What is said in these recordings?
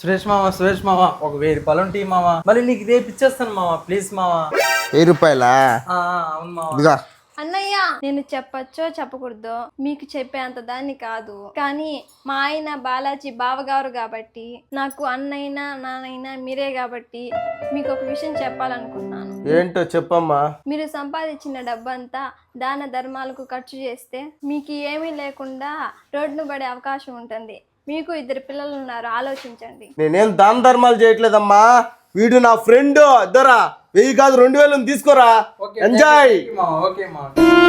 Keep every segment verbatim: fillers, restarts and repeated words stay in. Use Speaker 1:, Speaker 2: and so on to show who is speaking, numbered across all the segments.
Speaker 1: సురేష్ మామ సురేష్ మామ ఒక వెయ్యి రూపాయలు ఉంటాయి మామ, మళ్ళీ నీకు రేపు ఇచ్చేస్తాను మామ, ప్లీజ్ మామ.
Speaker 2: వెయ్యి రూపాయలా?
Speaker 1: ఆ, అవును మామ.
Speaker 2: ఇదిగా
Speaker 3: అన్నయ్య, నేను చెప్పచ్చో చెప్పకూడదో మీకు చెప్పేంత దాన్ని కాదు, కానీ మా ఆయన బాలాజీ బావగారు కాబట్టి, నాకు అన్నైనా నాన్నైనా మీరే కాబట్టి మీకు ఒక విషయం చెప్పాలనుకున్నాను.
Speaker 2: ఏంటో చెప్పమ్మా.
Speaker 3: మీరు సంపాదించిన డబ్బంతా దాన ధర్మాలకు ఖర్చు చేస్తే మీకు ఏమీ లేకుండా రోడ్డును పడే అవకాశం ఉంటుంది. మీకు ఇద్దరు పిల్లలు ఉన్నారు, ఆలోచించండి.
Speaker 2: నేనేం దాన ధర్మాలు చేయట్లేదమ్మా, వీడు నా ఫ్రెండ్. ఇద్దరా వెయ్యి కాదు రెండు వేలు తీసుకోరా, ఎంజాయ్.
Speaker 1: ఓకే మామ.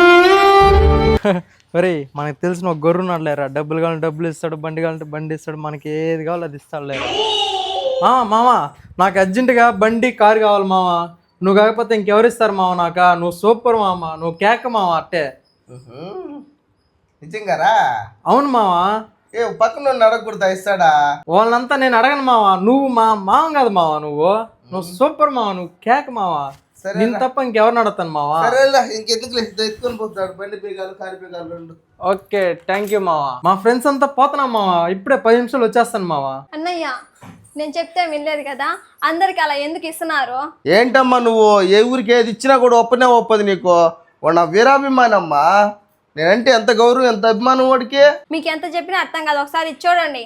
Speaker 1: ఒరే మనకు తెలిసిన ఒక గొర్రె ఉన్నాడు లేరా, డబ్బులు కావాలంటే డబ్బులు ఇస్తాడు, బండి కావాలంటే బండి ఇస్తాడు, మనకి ఏది కావాలో అది ఇస్తాడు లేరా. మామ నాకు అర్జెంటుగా బండి కారు కావాలి మామ, నువ్వు కాకపోతే ఇంకెవరు ఇస్తారు మామ నాక, నువ్వు సూపర్ మామ, నువ్వు కేక మామ అట్టే.
Speaker 2: నిజంగారా?
Speaker 1: అవును మామ.
Speaker 2: ఏ పక్కన అడగకూడదా, ఇస్తాడా?
Speaker 1: వాళ్ళంతా నేను అడగను మామ, నువ్వు మా మామ కాదు మామ, నువ్వు నువ్వు సూపర్ మామ, నువ్వు కేక మామ, నేను తప్ప ఇంకెవరిని అడుగుతాను మామ.
Speaker 2: ఇంకెందుకు ఎత్తుకొని పోతాడు, బండి పీగాలు కారు పీగాలు రెండు.
Speaker 1: ఓకే థ్యాంక్ యూ మామ. మా ఫ్రెండ్స్ అంతా పోతున్నాం మామ, ఇప్పుడే పది నిమిషాలు వచ్చేస్తాను మామ.
Speaker 3: అన్నయ్య, నేను చెప్తే వినలేదు కదా, అందరికి అలా ఎందుకు ఇస్తున్నారు?
Speaker 2: ఏంటమ్మా నువ్వు, ఏ ఊరికి ఏది ఇచ్చినా కూడా ఒప్పనే ఒప్పదు నీకు. వాడు నా వీరాభిమానమ్మా, నేనంటే ఎంత గౌరవం ఎంత అభిమానం వాడికి.
Speaker 3: మీకు ఎంత చెప్పినా అర్థం కాదు, ఒకసారి ఇది చూడండి.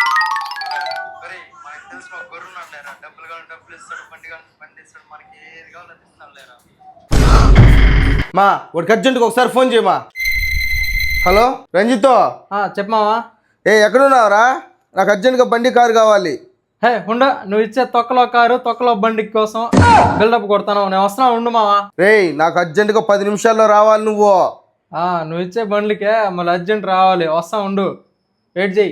Speaker 2: మా వాడికి అర్జెంట్గా ఒకసారి ఫోన్ చేయమా. హలో రంజితో.
Speaker 1: చెప్పు మావా.
Speaker 2: ఏ ఎక్కడున్నావురా, నాకు అర్జెంట్గా బండి కారు కావాలి.
Speaker 1: హే ఉండ, నువ్వు ఇచ్చే తొక్కలో కారు తొక్కలో బండి కోసం బిల్డప్ కొడతాను, నేను వస్తున్నా ఉండు మావా.
Speaker 2: రేయ్ నాకు అర్జెంటుగా పది నిమిషాల్లో రావాలి నువ్వు.
Speaker 1: నువ్వు ఇచ్చే బండ్లకే మళ్ళీ అర్జెంట్ రావాలి, వస్తా ఉండు, వెయిట్ చెయ్యి.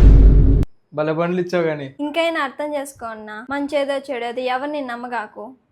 Speaker 1: భలే బండ్లు ఇచ్చావు కానీ.
Speaker 3: ఇంకైనా అర్థం చేసుకో అన్నా, మంచి ఏదో చెడేదో ఎవరిని నమ్మగాకు.